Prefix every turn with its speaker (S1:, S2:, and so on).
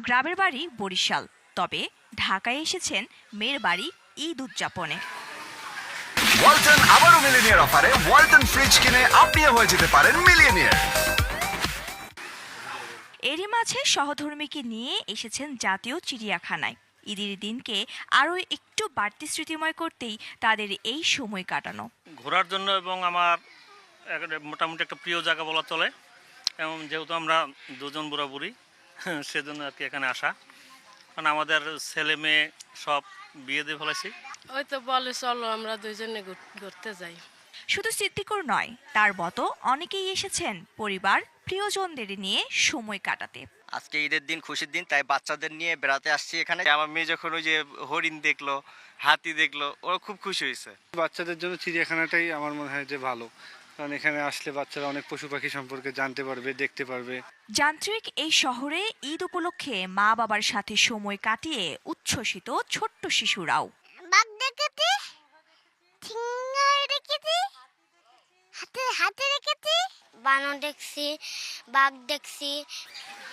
S1: গ্রামের বাড়ি বরিশাল, তবে ঢাকায় এসেছেন মেয়ের বাড়ি ঈদ উদযাপনে।
S2: ওয়ালটন আবারও মিলিনিয়ার অফারে ওয়ালটন ফ্রিজ কিনে আপনিও হয়ে যেতে পারেন মিলিয়নিয়ার।
S1: এরই মাঝে সহধর্মীকে নিয়ে এসেছেন জাতীয় চিড়িয়াখানায়। ঈদের দিনকে আরও একটু বাড়তি স্মৃতিময় করতেই তাদের এই সময় কাটানো।
S3: ঘোরার জন্য এবং আমার মোটামুটি একটা প্রিয় জায়গা বলা চলে, এবং যেহেতু আমরা দুজন বুড়াবুড়ি সেজন্য আর কি এখানে আসা। কারণ আমাদের ছেলে মেয়ে সব বিয়ে দিয়ে ফেলেছি।
S4: ওই তো বলে চলো আমরা দুইজনে ঘুরতে যাই।
S1: শুধু স্মৃতিকর নয়, তার মতো অনেকেই এসেছেন পরিবার প্রিয়জনদের নিয়ে সময় কাটাতে।
S5: আজকে ঈদের দিন, খুশির দিন, তাই বাচ্চাদের নিয়ে বেড়াতে আসছি এখানে। আমার মেয়ে যখন ওই যে হরিণ দেখলো, হাতি দেখলো, ওরা খুব খুশি হয়েছে।
S6: বাচ্চাদের জন্য চিড়িয়াখানাটাই আমার মনে হয় যে ভালো, কারণ এখানে আসলে বাচ্চারা অনেক পশু পাখি সম্পর্কে জানতে পারবে, দেখতে পারবে।
S1: যান্ত্রিক এই শহরে ঈদ উপলক্ষে মা বাবার সাথে সময় কাটিয়ে উচ্ছ্বসিত ছোট্ট শিশুরাও।
S7: বাঘ দেখেছি, ঠেঙ্গায় দেখেছি, হাতে হাতে দেখেছি, বানর দেখছি, বাঘ দেখছি।